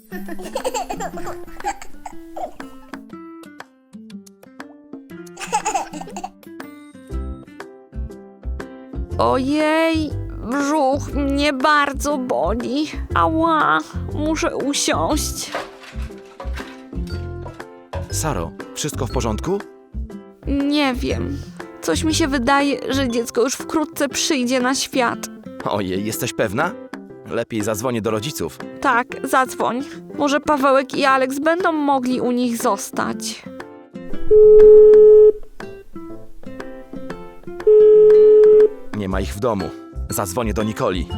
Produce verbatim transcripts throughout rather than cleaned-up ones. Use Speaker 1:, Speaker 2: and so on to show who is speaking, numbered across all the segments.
Speaker 1: Ojej, brzuch mnie bardzo boli. Ała, muszę usiąść.
Speaker 2: Saro, wszystko w porządku?
Speaker 1: Nie wiem. Coś mi się wydaje, że dziecko już wkrótce przyjdzie na świat.
Speaker 2: Ojej, jesteś pewna? Lepiej zadzwonię do rodziców.
Speaker 1: Tak, zadzwoń. Może Pawełek i Aleks będą mogli u nich zostać.
Speaker 2: Nie ma ich w domu. Zadzwonię do Nikoli.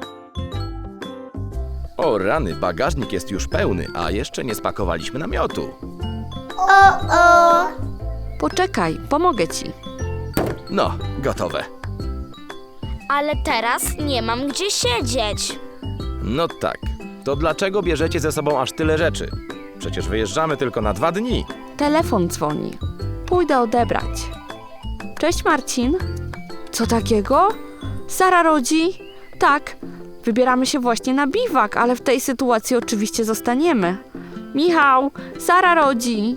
Speaker 2: O rany, bagażnik jest już pełny, a jeszcze nie spakowaliśmy namiotu.
Speaker 3: O-o!
Speaker 1: Poczekaj, pomogę ci.
Speaker 2: No, gotowe.
Speaker 3: Ale teraz nie mam gdzie siedzieć.
Speaker 2: No tak. To dlaczego bierzecie ze sobą aż tyle rzeczy? Przecież wyjeżdżamy tylko na dwa dni.
Speaker 1: Telefon dzwoni. Pójdę odebrać. Cześć, Marcin. Co takiego? Sara rodzi? Tak. Wybieramy się właśnie na biwak, ale w tej sytuacji oczywiście zostaniemy. Michał, Sara rodzi.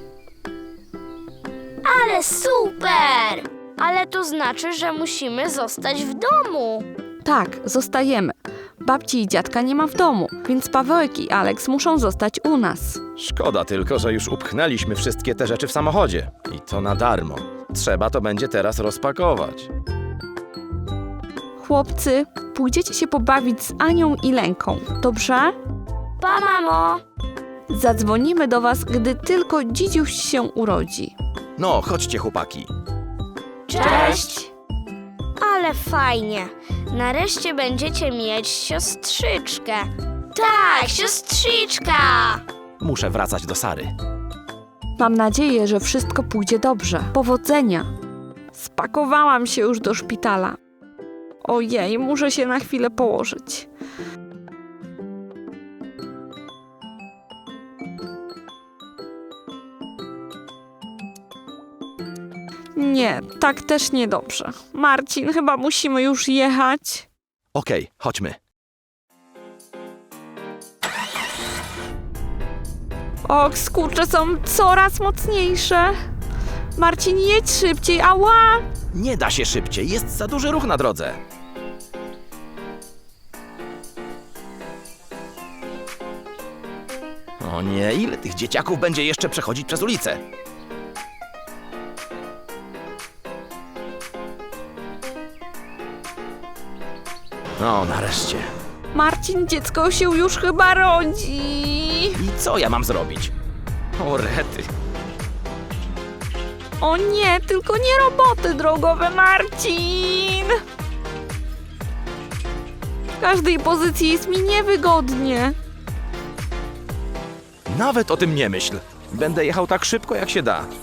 Speaker 3: Ale super! Ale to znaczy, że musimy zostać w domu.
Speaker 1: Tak, zostajemy. Babci i dziadka nie ma w domu, więc Pawełek i Aleks muszą zostać u nas.
Speaker 2: Szkoda tylko, że już upchnęliśmy wszystkie te rzeczy w samochodzie. I to na darmo. Trzeba to będzie teraz rozpakować.
Speaker 1: Chłopcy, pójdziecie się pobawić z Anią i Lenką, dobrze?
Speaker 3: Pa, mamo!
Speaker 1: Zadzwonimy do was, gdy tylko dzidziuś się urodzi.
Speaker 2: No, chodźcie chłopaki.
Speaker 3: Cześć! Ale fajnie. Nareszcie będziecie mieć siostrzyczkę. Tak, siostrzyczka!
Speaker 2: Muszę wracać do Sary.
Speaker 1: Mam nadzieję, że wszystko pójdzie dobrze. Powodzenia! Spakowałam się już do szpitala. Ojej, muszę się na chwilę położyć. Nie, tak też niedobrze. Marcin, chyba musimy już jechać.
Speaker 2: Okej, chodźmy.
Speaker 1: Och, skurcze są coraz mocniejsze. Marcin, jedź szybciej, ała!
Speaker 2: Nie da się szybciej, jest za duży ruch na drodze. O nie, ile tych dzieciaków będzie jeszcze przechodzić przez ulicę? No, nareszcie.
Speaker 1: Marcin, dziecko się już chyba rodzi.
Speaker 2: I co ja mam zrobić? O rety.
Speaker 1: O nie, tylko nie roboty drogowe, Marcin! W każdej pozycji jest mi niewygodnie.
Speaker 2: Nawet o tym nie myśl. Będę jechał tak szybko, jak się da.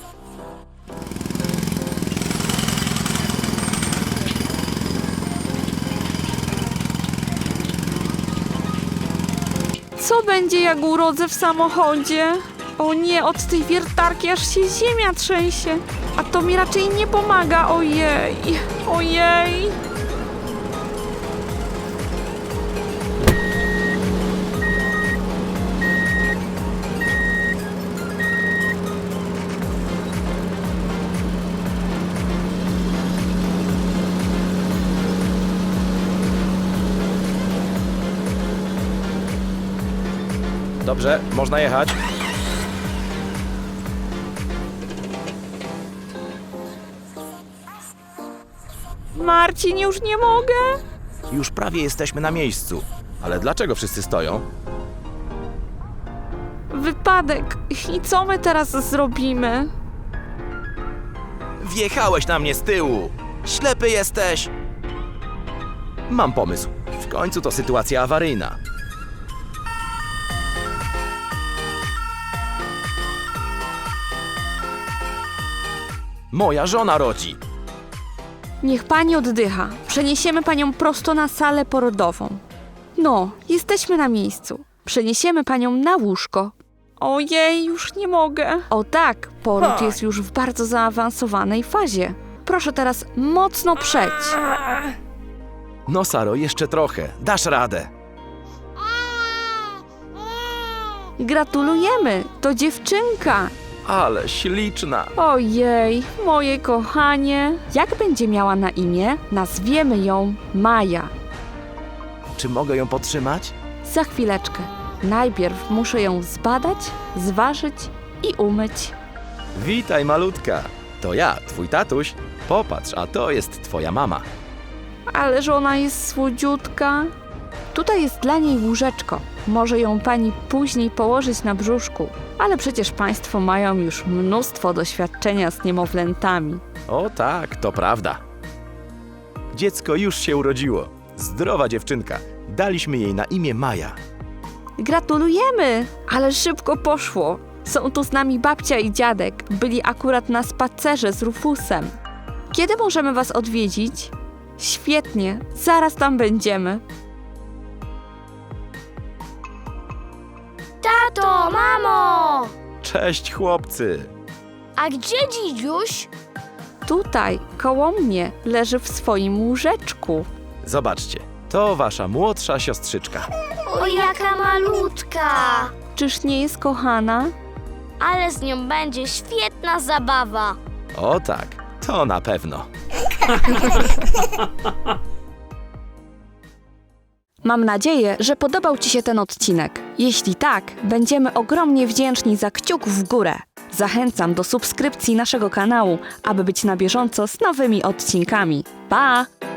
Speaker 1: Co będzie, jak urodzę w samochodzie? O nie, od tej wiertarki aż się ziemia trzęsie. A to mi raczej nie pomaga, ojej, ojej.
Speaker 2: Dobrze, można jechać.
Speaker 1: Marcin, już nie mogę.
Speaker 2: Już prawie jesteśmy na miejscu. Ale dlaczego wszyscy stoją?
Speaker 1: Wypadek. I co my teraz zrobimy?
Speaker 2: Wjechałeś na mnie z tyłu! Ślepy jesteś! Mam pomysł. W końcu to sytuacja awaryjna. Moja żona rodzi.
Speaker 1: Niech pani oddycha. Przeniesiemy panią prosto na salę porodową. No, jesteśmy na miejscu. Przeniesiemy panią na łóżko. Ojej, już nie mogę. O tak, poród jest już w bardzo zaawansowanej fazie. Proszę teraz mocno przeć.
Speaker 2: No Saro, jeszcze trochę. Dasz radę.
Speaker 1: Gratulujemy, to dziewczynka.
Speaker 2: Ale śliczna.
Speaker 1: Ojej, moje kochanie. Jak będzie miała na imię? Nazwiemy ją Maja.
Speaker 2: Czy mogę ją podtrzymać?
Speaker 1: Za chwileczkę. Najpierw muszę ją zbadać, zważyć i umyć.
Speaker 2: Witaj, malutka. To ja, twój tatuś. Popatrz, a to jest twoja mama.
Speaker 1: Ależ ona jest słodziutka. Tutaj jest dla niej łóżeczko. Może ją pani później położyć na brzuszku. Ale przecież państwo mają już mnóstwo doświadczenia z niemowlętami.
Speaker 2: O tak, to prawda. Dziecko już się urodziło. Zdrowa dziewczynka. Daliśmy jej na imię Maja.
Speaker 1: Gratulujemy! Ale szybko poszło. Są tu z nami babcia i dziadek. Byli akurat na spacerze z Rufusem. Kiedy możemy was odwiedzić? Świetnie, zaraz tam będziemy.
Speaker 3: Tato, mamo!
Speaker 2: Cześć, chłopcy.
Speaker 3: A gdzie dzidziuś?
Speaker 1: Tutaj, koło mnie, leży w swoim łóżeczku.
Speaker 2: Zobaczcie, to wasza młodsza siostrzyczka.
Speaker 3: O, jaka malutka!
Speaker 1: Czyż nie jest kochana?
Speaker 3: Ale z nią będzie świetna zabawa.
Speaker 2: O tak, to na pewno.
Speaker 1: Mam nadzieję, że podobał ci się ten odcinek. Jeśli tak, będziemy ogromnie wdzięczni za kciuk w górę. Zachęcam do subskrypcji naszego kanału, aby być na bieżąco z nowymi odcinkami. Pa!